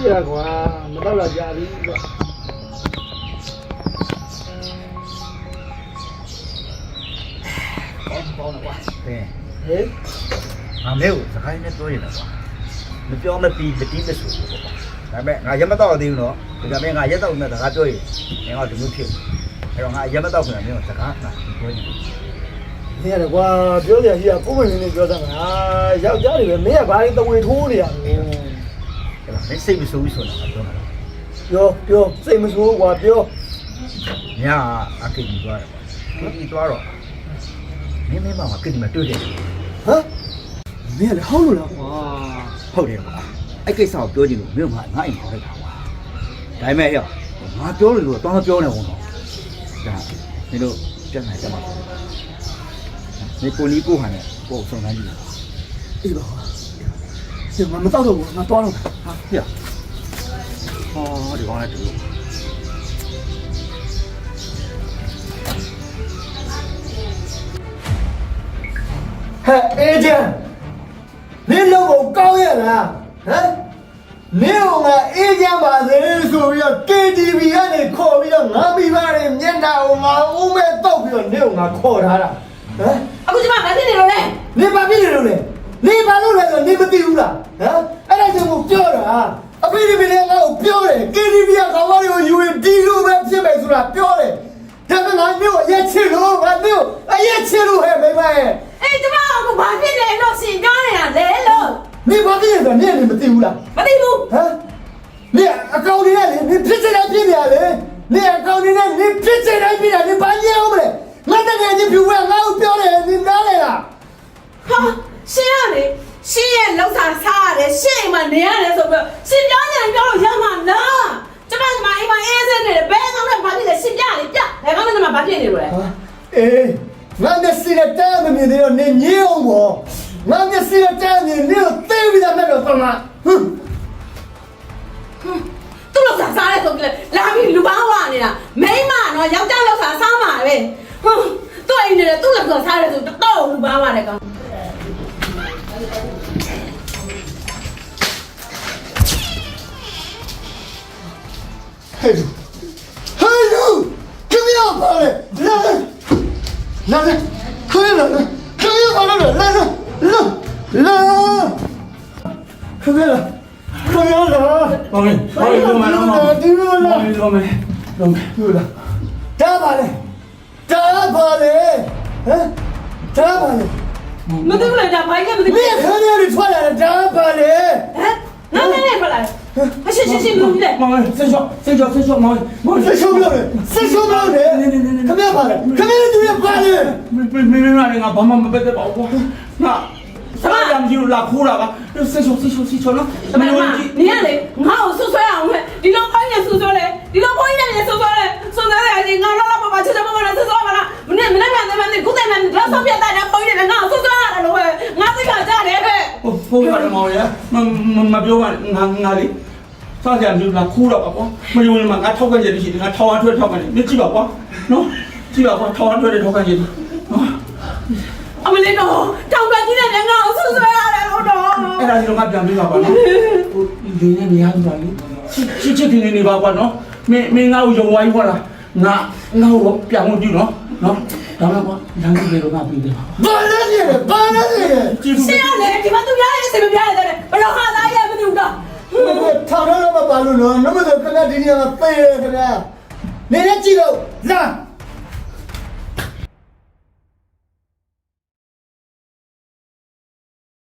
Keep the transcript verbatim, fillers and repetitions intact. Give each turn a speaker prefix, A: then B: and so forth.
A: ရှိရကွာမတော့လာကြပြီကွာ
B: ပေါင်းတော့ကွာဟဲ့
A: ဟေး
B: ငါမဲကိုစခိုင်းနဲ့တွဲရတာကွာမပြောမပြီးမတီးမဆူဘူးကွာဒါပေမဲ့ငါရက်မတော့သေးဘူးနော်ဒါပေမဲ့ငါရက်တော့မဲ့စကားပြောရင်ငါကဒီလိုဖြစ်အဲ့တော့ငါရက်မတော့ခင်ဗျာမင်းကစကားငါပြောနေ
A: နေရတယ်ကွာပြောကြရှိရကိုယ်မင်းလေးပြောတာငါယောက်ျားတွေပဲမင်းကဘာလို့တဝေထိုးနေရလဲ
B: အဲ့တော့မင်းစိတ်မဆိုးဘူးဆိုတာငါပြောမှာ
A: ပြောပြောစိတ်မဆိုးကွာပြော
B: ညာအကိကြီးသွားတယ်ကွာကိကြီးသွားတော့မင်းမင်းမကကိကြီးမတွေ့တယ်
A: ဟမ်မင်းကလည်းဟောက်လို့လားကွာ
B: ဟုတ်တယ်ကွာအဲ့ကိစ္စကိုပြောကြည့်လို့မင်းကငါအိမ်ခေါ်လိုက်တာကွာဒါပေမဲ့ဟဲ့ငါပြောလို့တော့တောင်းမပြောနဲ့ဝန်တော့ဒါမင်းတို့ပြန်လာကြမှာနေကိုနီးကိုဟန်နဲ့ကိုယ်ဆောင်နေကြည့်
A: အေးပါဒီမှာမတော့တော့ဘူးငါသွားတော့
B: ဟာဟဲ့ဟောဒီကောင်လည်းတူ
A: ဟဲ့အေဂျင့်မင်းလုံးကိုကောင်းရလားဟမ်မင်းကအေဂျင့်ပါစေဆိုပြီးတော့ K T V ကနေခေါ်ပြီးတော့ငါမိဘတွေမျက်နှာကိုငါဦးမဲ့တောက်ပြီးတော့နေကိုငါခေါ်ထားတာဟမ်
C: အခုကျမမသိနေလို့လေ
A: နေဘာဖြစ်နေလို့လဲနေဘာလို့လဲဆိုနေမသိဘူးလားဟမ်အဲ့ဒါကြောင့်ကိုပြောတာအဖေဒီမင်းငါ့ကိုပြောတယ် K T V ကကောင်မတွေကိုယူရင်ဒီလိုပဲဖြစ်မယ်ဆိုတာပြောတယ်ဒါပေမဲ့ငါမျိုးအရက်ချစ်လို့ငါမျိုးအရက်ချစ်လို့ဟဲ့မိမရဲ့
C: အေးကျမကဘာဖြစ်လဲလို့ရှင်ပြောနေတာလေလို့
A: နေဘာဖြစ်နေဆိုနေနေမသိဘူးလား
C: မသိဘူး
A: ဟမ်နေအကောင်တွေနဲ့လေနေဖြစ်စတဲ့ဖြစ်နေရလေနေအကောင်တွေနဲ့နေဖြစ်စတဲ့ဖြစ်နေနေဘာညံအောင်မလဲငါတကယ်ကြီးပြူဝဲငါ့ကိုပြောတယ်နေနားလေလား
C: ဟာရှင်ရလေရှင်ရဲ့လောက်စားစားရတယ်ရှင်မှနေရတယ်ဆိုပြီးရှင်ပြောနေတယ်ပြောလို့ရမှာလားကျမကမအိမ်မှာအေးစင်းနေတယ်ဘယ်ကောင်နဲ့ဘာဖြစ်လဲရှင်ပြလေပြဘယ်ကောင်နဲ့မှဘာဖြစ်နေလို့လဲ
A: အေးငါမျက်စိနဲ့တမ်းမမြင်သေးတော့နေညင်းအောင်ပေါ့ငါမျက်စိနဲ့တမ်းမြင်နေတော့သိပြီးသားမဲ့တော့ဆုံးလားဟွန်း
C: သူ့လောက်စားစားရဲဆိုပြီးလာပြီးလူပေါင်းဝနေတာမိန်းမနော်ယောက်ျားလောက်စားစားမှာပဲဟွန်းသူ့အိမ်နေတယ်သူ့လောက်စားစားရဲဆိုတော့လူပေါင်းဝတယ်ကောင်
A: ဟဲ့လူဟဲ့လူခမရပါလေလာလာလာခမရလာခမရပါလေလာလာလာလာခမရလာခမရလာ
B: မောင်မေမောင်လုံးမလုံးမောင်
A: ဒီလိုလာ
B: လုံးမေလုံးမေ
A: ဒီလိုလာတားပါလေတားပါလေဟမ်တားပါလေ
C: မသိဘူးလေဒါဘိုင်းကမသိဘူး
A: မင်းခမရတွေထွက်လာတားပါလေ
C: ဟမ်နားနေနေထွက်လာအရှင်းရှင်းရှင်းလို့လေ
B: မောင်ဆေးချောဆေးချောဆေးချောမောင်မောင်
A: ဆေးချောလို့ဆေးချောလို့လေခမရပါလေခမရတို့ရပါလေ
B: မင်းမင်းငါဘာမှမပတ်သက်ပါဘူးငါစကားရမ်းကြည့်လို့လာခိုးတာပါဆေးချောဆေးချောဆေးချောနော်
C: မင်းနေရလေငါ့ကိုဆွဆွဲအောင်ဟဲ့ဒီလိုခိုင်းနေဆွဆွဲလေဒီလိုခိုင်းနေဆွဆွဲလေဆွဆွဲလေငါလာလာပါပါချက်ချက်ပါပါဆွဆွဲပါလားမင်းမင်းကနေမင်းကုတဲ့မင်းတော့ဆောက်ပြတဲ့ခိုင်းနေငါဆွဆွဲရတယ်လို့ငါသိခါကြတယ်ဟဲ့
B: ဟုတ်ဟုတ်ပါတယ်မောင်ရမမပြောပါငါငါလေးစားကြမျိုးလာခိုးတော့ပါကွာမယုံရင်ငါထောက်ကန်ကြတယ်ရှိတယ်ငါထောက်အောင်ထွက်ထောက်ကန်တယ်မင်းကြည့်ပါကွာနော်ကြည့်ပါကွာထောက်အောင်ထွက်တယ်ထောက်ကန်ကြတယ်နော်
C: အမလေးတော့တောင်ကကြီးနဲ့ငါ့ကိုဆွဆွဲရတယ်လို့တော့
B: အဲ့ဒါကြီးတော့ငါပြန်ပေးပါကွာနော်ဟိုဒီနေ့နေရတူပါလေချစ်ချစ်တင်နေပါကွာနော်မင်းမင်းငါ့ကိုယုံဝိုင်းခွာလားငါငါ့ကိုပြန်ဝင်ကြည့်နော်နော်ဒါမှကွာလမ်းကြီးတော့ငါပြီးတယ်ပါ
A: ဘာလဲနေဘာလဲနေ
C: ရှင်းရလေဒီမှာသူများရဲ့အစီမပြရတယ်ဘယ်လိုဟာသားရဲ့မသိဘူးတော့
A: ထောင်တော့မပါလို့နော်နမတော့ခဏဒီနေရာမှာပေးရခဏနေနဲ့ကြည့်တော့လာ